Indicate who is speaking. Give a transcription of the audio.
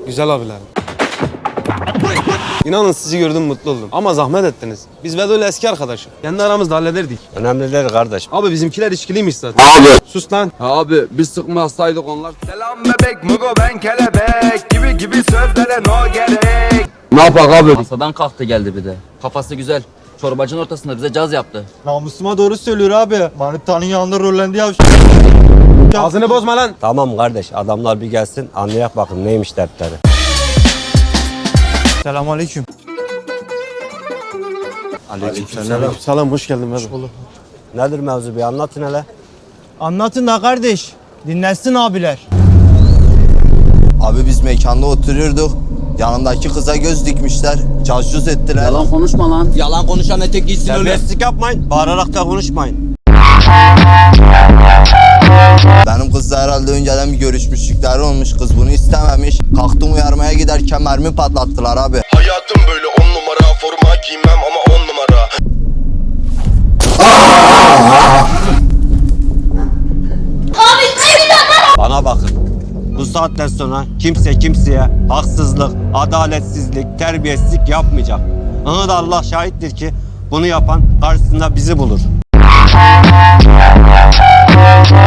Speaker 1: Güzel abilerim. İnanın sizi gördüm mutlu oldum. Ama zahmet ettiniz. Biz Vedo ile eski arkadaşım. Kendi aramızda hallederdik.
Speaker 2: Önemli değil kardeş.
Speaker 1: Abi bizimkiler içkiliymiş zaten. Sus lan.
Speaker 3: Abi biz sıkmazsaydık onlar.
Speaker 4: Selam bebek mugo ben kelebek gibi sözlere no gerek.
Speaker 3: Ne yapak abi?
Speaker 5: Masadan kalktı geldi bir de. Kafası güzel. Çorbacının ortasında bize caz yaptı.
Speaker 6: Namusuma doğru söylüyor abi. Manitanın yanında rollendi ya.
Speaker 1: Ağzını bozma lan.
Speaker 2: Tamam kardeş, adamlar bir gelsin anlayak bakın neymiş dertleri.
Speaker 6: Selamünaleyküm.
Speaker 2: Aleykümselam.
Speaker 1: Selam hoş geldin Vedo.
Speaker 2: Nedir mevzu, bir anlatın hele.
Speaker 6: Anlatın da kardeş. Dinlensin abiler.
Speaker 7: Abi biz mekanda oturuyorduk. Yanındaki kıza göz dikmişler. Cazcuz ettiler.
Speaker 5: Yalan konuşma lan.
Speaker 7: Yalan konuşan etek giysin öyle.
Speaker 2: Terbiyesizlik yapmayın, bağırarak da konuşmayın.
Speaker 7: Benim kızla herhalde önceden bir görüşmüşlükleri olmuş. Kız bunu istememiş. Kalktım uyarmaya giderken mermi patlattılar abi.
Speaker 8: Hayatım böyle 10 numara, forma giymem ama 10 numara.
Speaker 2: Bana bakın. Bu saatten sonra kimse kimseye haksızlık, adaletsizlik, terbiyesizlik yapmayacak. Ona da Allah şahittir ki bunu yapan karşısında bizi bulur.